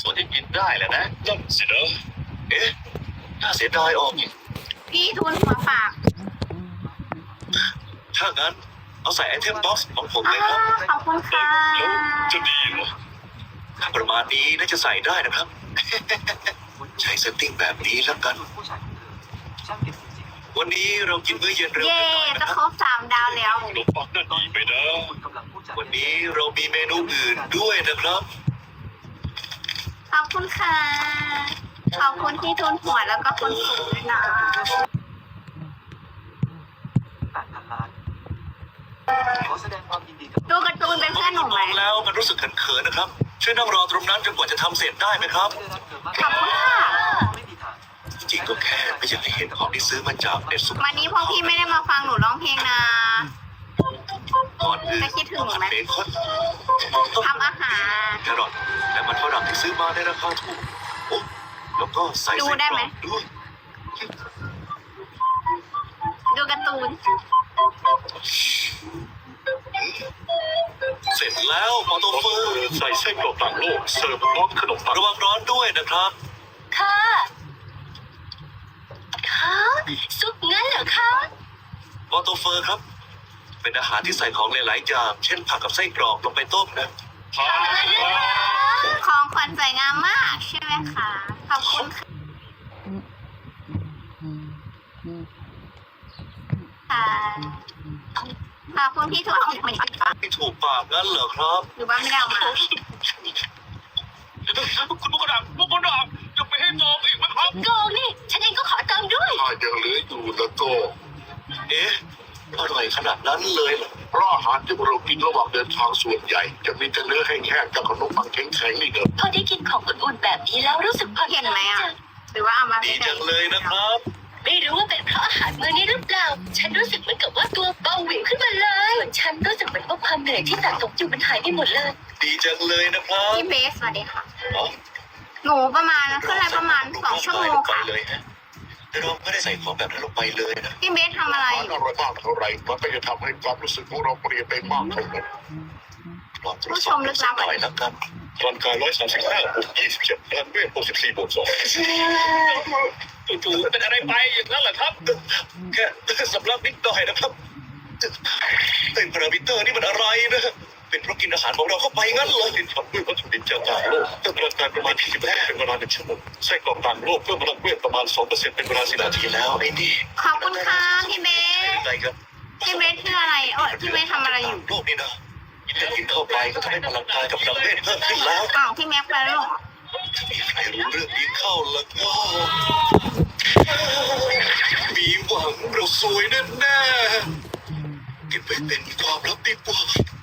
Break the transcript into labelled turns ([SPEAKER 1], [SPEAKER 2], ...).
[SPEAKER 1] ส่วนที่กินได้แหละนะนั่นสินะเอ๊ะน่าเสียดายออกอีก
[SPEAKER 2] พี่ทุนหัวฝาก
[SPEAKER 1] ถ้างั้นเอาใส่ไอเทมบ็อกซ์ของผมเลย
[SPEAKER 2] อ้า
[SPEAKER 1] ครับ
[SPEAKER 2] ขอบคุณค่ะ
[SPEAKER 1] แล้วจะดีเหรอถ้าประมาณนี้น่าจะใส่ได้นะครับ ใช้เซตติ้งแบบนี้แล้วกัน วันนี้เรากินมื้อเย็นเร็ว
[SPEAKER 2] เย่
[SPEAKER 1] ไปหน่อย
[SPEAKER 2] จะ
[SPEAKER 1] นะค
[SPEAKER 2] คร
[SPEAKER 1] รับบ
[SPEAKER 2] 3 ดาวแล้ว
[SPEAKER 1] ขนมปังนั่นดีไปนะวันนี้เรามีเมนูอื่นด้วยนะครับ
[SPEAKER 2] ขอบคุณค่ะ ขอบคุณที่ทุนหัวแล้วก็คนสูงด้วยนะดูการ์ตูนเป็นเพื่อนหนูไหม
[SPEAKER 1] มองแล้วมันรู้สึกเขินๆนะครับ ช่วยนั่งรอตรงนั้นจนกว่าจะทำเสร็จได้ไหมครับ
[SPEAKER 2] ขอบคุณค่ะ
[SPEAKER 1] จริงๆก็แค่ไม่อยากให้เห็นของที่ซื้อมาจากเน็ตซุป
[SPEAKER 2] วันนี้พวกพี่ไม่ได้มาฟังหนูร้องเพลงนะ
[SPEAKER 1] ก่อนอื่น
[SPEAKER 2] จะคิดถึงไหม
[SPEAKER 1] เบคอน
[SPEAKER 2] ทำอาหาร
[SPEAKER 1] แครอทและมันฝรั่งที่ซื้อมาในราคาถูกโอ้แล้วก็ใส่
[SPEAKER 2] ดู
[SPEAKER 1] ไส้
[SPEAKER 2] ได้
[SPEAKER 1] กร
[SPEAKER 2] ไหม
[SPEAKER 1] อกด้วย
[SPEAKER 2] ดูการ์ตูน
[SPEAKER 1] เสร็จแล้วมอโตเฟอร์ใส่ไส้กรอกต่างโลกเสิร์ฟพร้อมขนมปังระวังร้อนด้วยนะครับ
[SPEAKER 3] ค่ะค่ะซุปงั้นเหรอคะ
[SPEAKER 1] มอโตเฟอร์ครับ เป็นอาหารที่ใส่ของหลายๆอย่างเช่นผักกับไส้กรอกลงไปต้มนะ
[SPEAKER 2] ของขวัญสวยงามมากใช่ไหมคะ ขอบคุณค่ะขอบคุณพี่ถั่วที่มันปัก
[SPEAKER 1] ไม่ถูกปากงั้นเหรอครับ
[SPEAKER 2] หรือว่าไม่ได้เอามา
[SPEAKER 1] คุณบุกดับจะไปให้ตองอีกไหมครับ
[SPEAKER 3] โกงนี่ ฉันเองก็ขอตังค์ด้วย
[SPEAKER 4] ถ้ายังเหลืออยู่แล้วก็
[SPEAKER 1] เอ๊ะอร่อยขนาดนั้นเลยเหรอ
[SPEAKER 4] เพราะอาหารที่เรากินระหว่างเดินทางส่วนใหญ่ จะมีแต่เนื้อแห้งๆกับขนมปังแข็งๆนี่เนอะ
[SPEAKER 3] พอได้กินของอุ่นๆแบบนี้แล้วรู้สึกผ่อนค
[SPEAKER 2] เห็น
[SPEAKER 3] ลาย
[SPEAKER 2] ไหมอ่ะ
[SPEAKER 3] จัง
[SPEAKER 2] หรือว่าเอามา
[SPEAKER 1] ดีจังเลยนะครับ
[SPEAKER 3] ไม่รู้ว่าเป็นเพราะอาหารมื้อนี้หรือเปล่า ฉันรู้สึกเหมือนกับว่าตัวเบาหวิวขึ้นมาเลยส่วนฉันรู้สึกเหมือนว่าความเหนื่อยที่สะสมอยู่มันหายไปหมดเลย
[SPEAKER 1] ดีจังเลยนะครับ
[SPEAKER 2] พี่เบสสวัสดีค่ะ
[SPEAKER 1] อ๋อ
[SPEAKER 2] หนูประมาณขึ้นอะไรประมาณ2 ชั่วโมง
[SPEAKER 1] ไป
[SPEAKER 2] ค่ะ
[SPEAKER 1] เลยฮะแต่เราไม่ได้ใส่ของแบบนั้นลงไปเลยนะ
[SPEAKER 2] พี่เบสทำอะไร
[SPEAKER 4] อาหารอร่อยมากเท่าไหรมันก็จะทำให้ความรู้สึกของเราเปลี่ยนไปมากเท่านั้น
[SPEAKER 1] ลองตรวจสอบสักหน่อยแล้วกัน
[SPEAKER 4] ร่างกาย135บวก27พลังเวท64บวก2
[SPEAKER 1] จู่ๆเป็นอะไรไปอย่างนั้นเหรอครับ แค่สำลักนิดหน่อยนะครับเป็นพารามิเตอร์นี่มันอะไรนะ เป็นเพราะกินอาหารของเราเข้าไปงั้นเหรอ
[SPEAKER 4] กินทำด้วยวัตถุดิบจากต่างโลกเพิ่มพลังงานประมาณ20%เป็นเวลา1 ชั่วโมงไส้กรอกต่างโลกเพิ่มพลังเวทประมาณ 2% เป็นเวลา10 นาที
[SPEAKER 1] ทีแล้วไอ้นี่
[SPEAKER 2] ขอบคุณค่ะพี่เบส
[SPEAKER 1] อะไรครับ
[SPEAKER 2] พี่เบสคืออะไรโอ้ยพี่เบสทำอะไรอยู่
[SPEAKER 1] โลกนี่นะกินเข้าไปก็ทำให้พลังกายกับพลังเวทเพิ่มขึ้นแล้ว
[SPEAKER 2] อ้าวพี่แม็กไปแล้วเหรอ
[SPEAKER 1] ถ้ามีใครรู้เรื่องนี้เข้าแล้วก็มีหวังเราสวยแน่ๆเก็บไว้เป็นความลับดีกว่า